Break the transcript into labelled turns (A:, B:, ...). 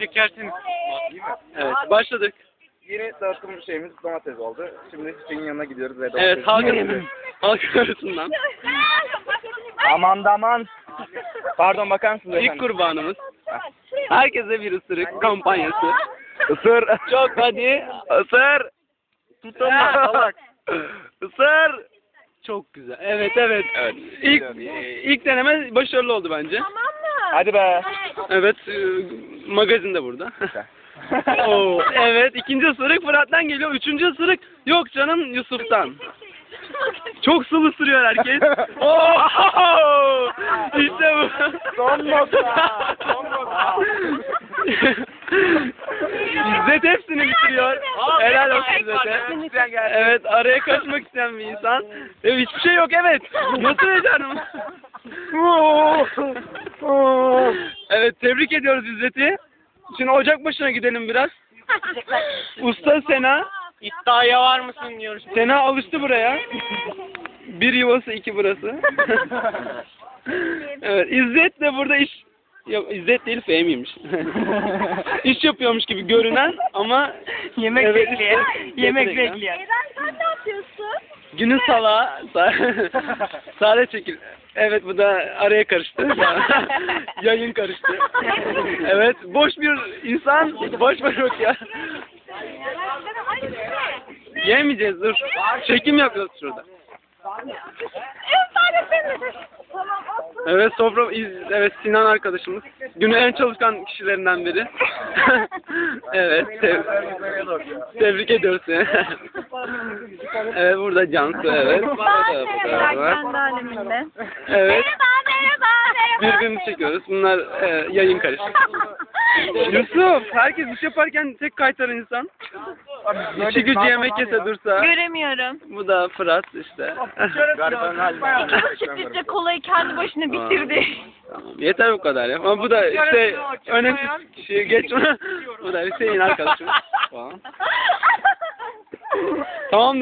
A: çekersiniz.
B: Evet, başladık.
C: Yeni dağıtım şeyimiz domates oldu. Şimdi Hüseyin'in yanına gidiyoruz ve domates.
B: Evet, halk arasından.
C: Aman. Pardon, bakar mısınız
B: İlk
C: efendim?
B: kurbanımız. Herkese bir ısırık kampanyası.
C: Isır.
B: Çok hadi.
C: Isır. Tutama salak.
B: Isır. Çok güzel. Evet.
C: Evet.
B: İlk deneme başarılı oldu bence.
C: Hadi be.
B: Evet, magazin de burada. Oo, evet, ikinci ısırık Fırat'tan geliyor. Üçüncü ısırık yok canım Yusuf'tan. Çok sıvı ısırıyor herkes. Oo! İşte bu.
C: Son nokta.
B: İzzet hepsini bitiriyor. Helal olsun İzzet'e. Evet, araya kaçmak isteyen bir insan. Hiçbir şey yok, evet. Nasıl becerdim? Evet, tebrik ediyoruz İzzet'i. Şimdi ocak başına gidelim biraz. Usta Sena.
A: İddiaya var mısın diyoruz.
B: Sena alıştı buraya. Bir yuvası, iki burası. Evet, İzzet de burada iş... Yok, İzzet değil, Fehmi'ymiş. İş yapıyormuş gibi görünen ama...
A: Yemek
B: evet,
A: bekleyen. Yemek
B: bekleyen.
A: bekleyen.
D: Sen ne yapıyorsun?
B: Günün salağı. Sade çekil. Evet, bu da araya karıştı. Yayın karıştı. Evet, boş bir insan boş yok ya. Yemeyeceğiz, dur. Çekim yapıyoruz şurada. Evet, evet, Sinan arkadaşımız. Günün en çalışkan kişilerinden biri. Evet, tebrik ediyoruz seni. Evet, burada Cansu, evet.
D: Kendi aleminde.
B: Evet,
D: Merhaba.
B: birbirini çekiyoruz. Bunlar yayın karıştı. Yusuf, herkes iş yaparken tek kaytaran insan. İşi gücü yemek yese dursa.
D: Göremiyorum.
B: Bu da Fırat işte.
D: İki sürprizle kolayı kendi başına bitirdi.
B: Tamam, yeter bu kadar ya. Ama bu da işte önemsiz kişi geçme. Bu da Hüseyin arkadaşım. Tamam. Tamam.